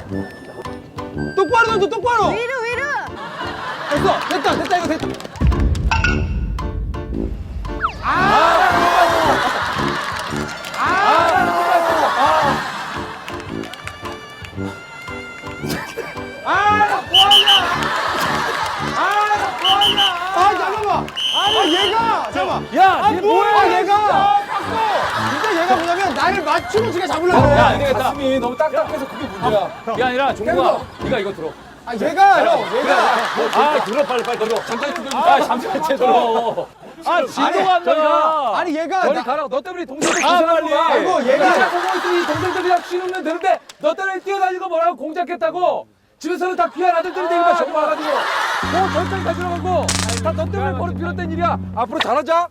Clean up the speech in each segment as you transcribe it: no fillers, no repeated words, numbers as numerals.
똑바로 던져, 똑바로. 위로 위로. 됐어, 됐다, 이거 됐다. 잠깐만. 얘가. 잠깐만. 야, 얘 뭐야, 얘가. 진짜 얘가 뭐냐면 나를 맞추고 지가 잡으려고 그래. 야, 안 되겠다. 가슴이 너무 딱딱해서 그게 문제야. 이게 아니라 종국아, 네가 이거 들어. 얘가, 들어, 빨리 들어. 잠깐 들어. 잠깐 들어. 진도가 안 나가. 아니 얘가 저리 가라. 너 때문에 동생들 고생하는 거야. 아이고, 얘가. 공작 보고 있더니 동생들이랑 쉬면 되는데 너 때문에 뛰어다니고 뭐라고 공작했다고. 집에서는 다 귀한 아들들이 되니까 저거 와가지고 뭐 절장이 다 들어가고 다 너 때문에 머리 비롯된 일이야. 앞으로 잘하자.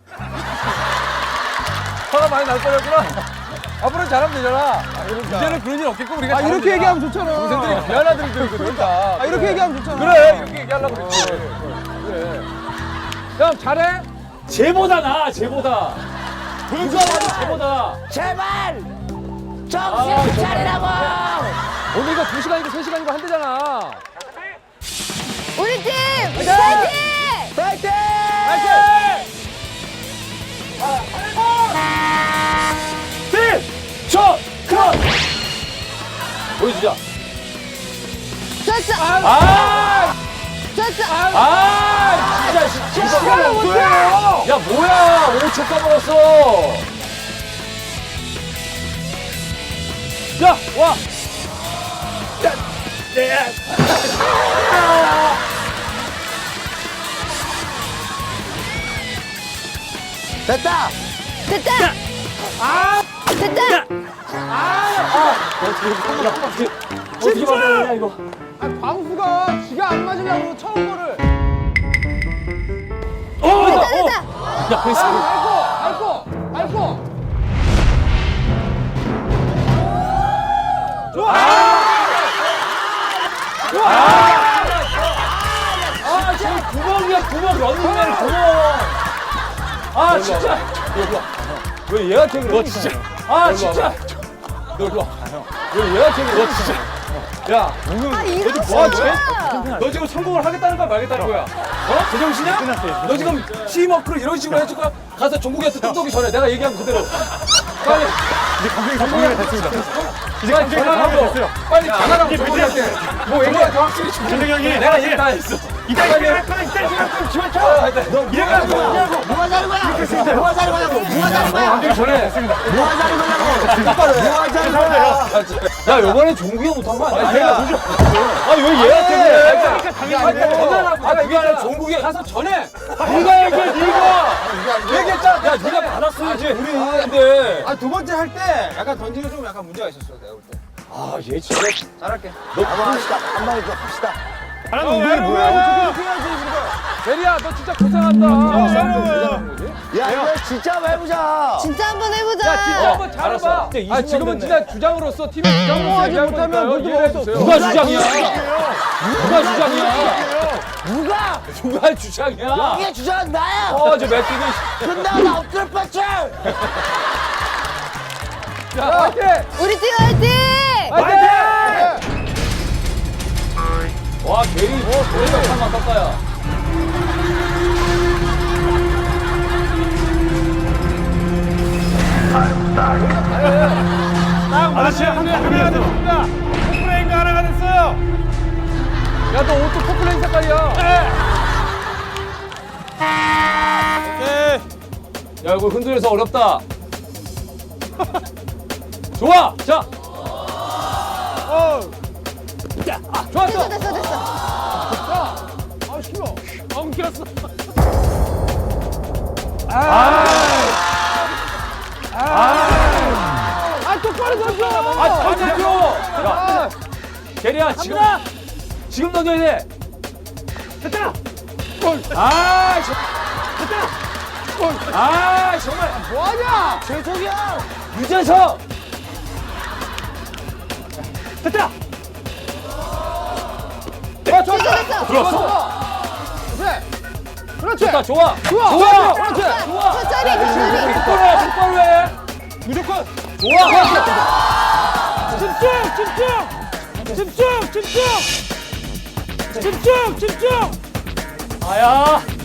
화가 많이 날 거였구나. 앞으로는 잘하면 되잖아. 이제는 그런 일 없겠고 우리가 잘하면 이렇게 되잖아. 얘기하면 좋잖아. 동생들이 귀한 아들들이거든 다. 이렇게 얘기하면 좋잖아. 그래 이렇게 얘기하려고 그랬지. 그래. 형 잘해? 쟤보다 나 쟤보다. 누가 봐도 쟤보다. 제발 정신 차리라고. 오늘 이거 2시간이고 3시간이고 한대잖아. 우리 팀 파이팅! 파이팅! 팀! 저! 컷! 보여주자. 졌어. 아! 졌어. 아! 진짜 시간을 못해! 야 뭐야! 5초 까먹었어! 야! 와! 됐다. 됐다. 어떻게 맞아야 이거? 광수가 지가 안 맞으려고 처음 거를. 됐다 됐다. 야, 됐어. 밟고. 아, 저기 구멍이야, 구멍. 런닝맨 구멍. 아, 진짜. 왜 얘한테 그래? 너 진짜. 아, 진짜. 너 일로 와. 왜 얘한테 그래? 너 진짜. 야, 아 이런 뭐 하지? 거. 너 지금 성공을 하겠다는 거야, 말겠다는 거야? 어? 제정신이야? 끝났어요. 너 지금 팀워크를 이런 식으로 해줄 거야? 가서 종국이한테 뚝 쏘기 전에 내가 얘기한 그대로. 빨리. 이제 감독이 정리가 됐습니다. 이제 빨리 감독이 전화하고. 됐어요. 빨리 전화하고 종국이한테. 뭐 얘기한테 확실히 좀. 감독 형이 내가 얘기 다 했어. 이따 할 거야. 이따 생각하면 지원 쳐. 너 이래가지고 뭐가 자는 거야? 뭐가 자는 거냐고? 뭐가 자는 거야? 감독이 전에. 뭐가 자는 거냐고? 뭐가 자는 거야? 야, 요번에 종국이가 못한 거 아니야? 내가 아니, 왜 얘한테 그래? 그러니까 당연히 전화라고. 그게 아니라 종국이 가서 전에. 네가 얘기해, 네가. 얘기했잖아. 야, 네가 받았어야지. 우리 근데. 두 번째 할 때 약간 던지는 좀 약간 문제가 있었어 내가 볼 때. 아, 얘 진짜. 잘할게. 잘하는 운동이 뭐야? 대리야, 너 진짜 고생한다. 야 이거 진짜 한번 해보자. 진짜 한번 해보자. 야, 진짜 한번 잘해봐. 아, 지금은 진짜 주장으로서, 팀의 주장으로서 하지 얘기하는 못하면 거니까요. 물도 이해해 먹었어. 주세요. 누가 주장이야? 누가 주장이야? 누가? 누가 주장이야? 이게 주장은 나야. 저 맥기는. 끝나고 나 엎드려 뻗쳐. 야, 화이팅! 우리 팀 화이팅! 화이팅! 와, 대리가 참 아깝다야. 아저씨 한번 해야 됩니다. 포프레인가 하나가 됐어요. 야, 너 옷도 포플레인 색깔이야. 오케이. 야, 이거 흔들려서 어렵다. 좋아! 자! 좋았어! 됐어 됐어. 아 싫어. 엉켰어. 똑바로 던져. 잘 잡혀! 야, 대리야, 지금 던져야 돼. 됐다. 아, 아, 정말. 뭐하냐? 최종이야. 유재석! 됐다. 됐어 됐어. 들었어. 그래. 그렇지. 좋다, 좋아. 좋아. 좋아. 그렇지. 좋아. 천천히 천천히. 똑바로 해, 똑바로 해. 무조건. 좋아. 집중. 집중. 집중! 집중! 집중! 집중! 아야.